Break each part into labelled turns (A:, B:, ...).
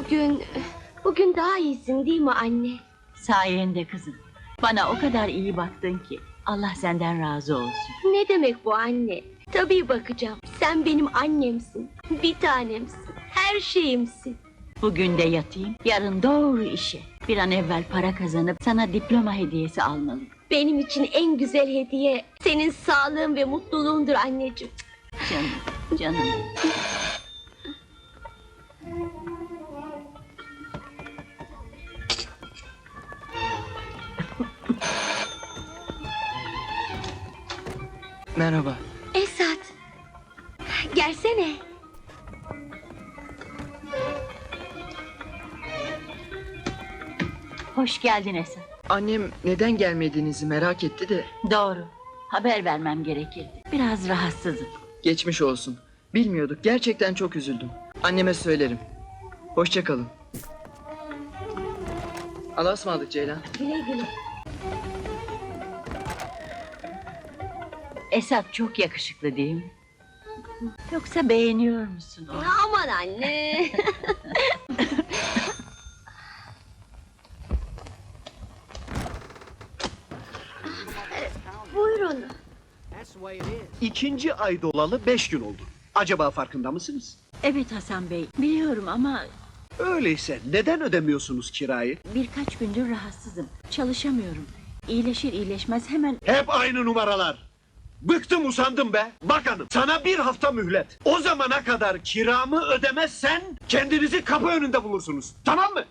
A: Bugün daha iyisin değil mi anne?
B: Sayende kızım. Bana o kadar iyi baktın ki. Allah senden razı olsun.
A: Ne demek bu anne? Tabii bakacağım. Sen benim annemsin. Bir tanemsin. Her şeyimsin.
B: Bugün de yatayım, yarın doğru işe. Bir an evvel para kazanıp sana diploma hediyesi almalıyım.
A: Benim için en güzel hediye senin sağlığın ve mutluluğundur anneciğim.
B: Canım, canım.
C: Merhaba.
A: Esat. Gelsene.
B: Hoş geldin Esat.
C: Annem neden gelmediğinizi merak etti de.
B: Doğru. Haber vermem gerekirdi. Biraz rahatsızım.
C: Geçmiş olsun. Bilmiyorduk. Gerçekten çok üzüldüm. Anneme söylerim. Hoşça kalın. Allah'a ısmarladık Ceylan.
A: Güle güle.
B: Esat çok yakışıklı değil mi? Yoksa beğeniyor musun onu?
A: Aman anne. Buyurun.
D: İkinci ay dolalı 5 gün oldu. Acaba farkında mısınız?
B: Evet Hasan Bey, biliyorum ama
D: Öyleyse neden ödemiyorsunuz kirayı?
B: birkaç gündür rahatsızım. Çalışamıyorum. İyileşir iyileşmez hemen...
D: Hep aynı numaralar. Bıktım usandım be. Bak hanım, sana bir hafta mühlet. O zamana kadar kiramı ödemezsen kendinizi kapı önünde bulursunuz. Tamam mı?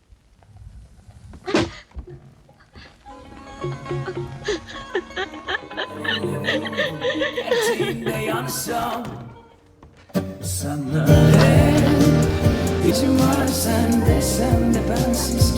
E: Eteğimde yansam sana ne? Gücüm var sende, sen de bensiz